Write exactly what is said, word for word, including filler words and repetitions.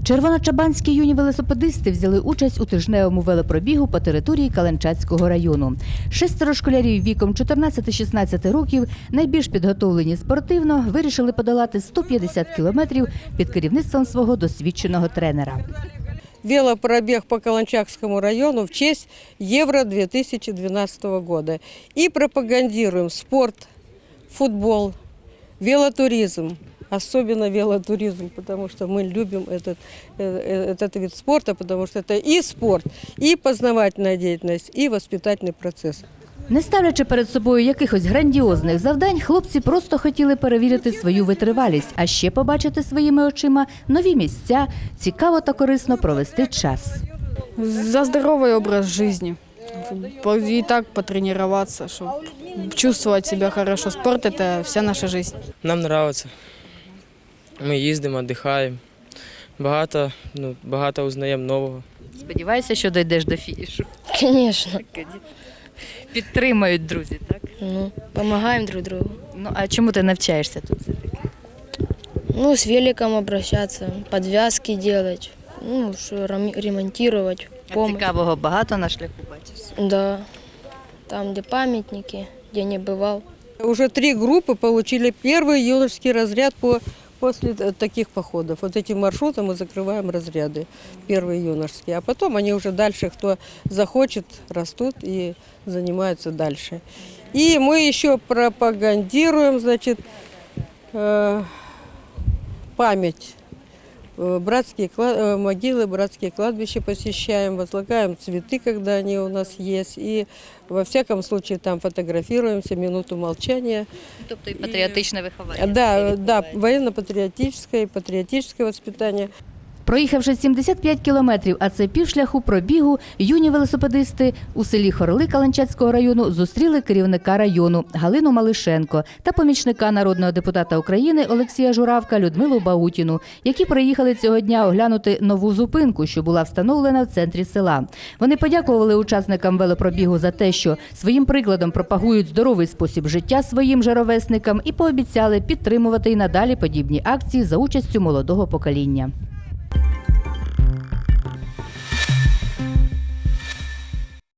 Червоночабанські юні велосипедисти взяли участь у тижневому велопробігу по території Каланчацького району. Шестеро школярів віком чотирнадцяти-шістнадцяти років, найбільш підготовлені спортивно, вирішили подолати сто п'ятдесят кілометрів під керівництвом свого досвідченого тренера. Велопробег по Каланчакскому району в честь Евро две тысячи двенадцатого года. И пропагандируем спорт, футбол, велотуризм. Особенно велотуризм, потому что мы любим этот, этот вид спорта, потому что это и спорт, и познавательная деятельность, и воспитательный процесс. Не ставлячи перед собою якихось грандіозних завдань, хлопці просто хотіли перевірити свою витривалість, а ще побачити своїми очима нові місця, цікаво та корисно провести час. За здоровый образ жизни. И так потренироваться, чтобы чувствовать себя хорошо. Спорт – это вся наша жизнь. Нам подобається. Ми їздимо, відпочиваємо. Багато, ну, багато узнаємо нового. Сподіваюся, що дійдеш до фінішу. Конечно. Підтримають друзі, так? Ну, помогаем друг другу. Ну, а чому ти навчаєшся тут? Ну, с великом обращаться, подвязки делать, ну, что ремонтировать, помощь. Цікавого багато на шляху бачиш? Да, там, где памятники, где не бывал. Уже три группы получили первый юношеский разряд по, после таких походов. Вот этим маршрутом мы закрываем разряды, первые юношеские. А потом они уже дальше, кто захочет, растут и занимаются дальше. И мы еще пропагандируем, значит, э, память. Братские могилы, братские кладбища посещаем, возлагаем цветы, когда они у нас есть. И во всяком случае там фотографируемся, минуту молчания. Тобто і патріотичне виховання. Да, да, военно-патриотическое и патриотическое воспитание. Проїхавши сімдесят п'ять кілометрів, а це півшляху пробігу, юні велосипедисти у селі Хорли Каланчацького району зустріли керівника району Галину Малишенко та помічника народного депутата України Олексія Журавка Людмилу Баутіну, які приїхали цього дня оглянути нову зупинку, що була встановлена в центрі села. Вони подякували учасникам велопробігу за те, що своїм прикладом пропагують здоровий спосіб життя своїм же ровесникам і пообіцяли підтримувати і надалі подібні акції за участю молодого покоління.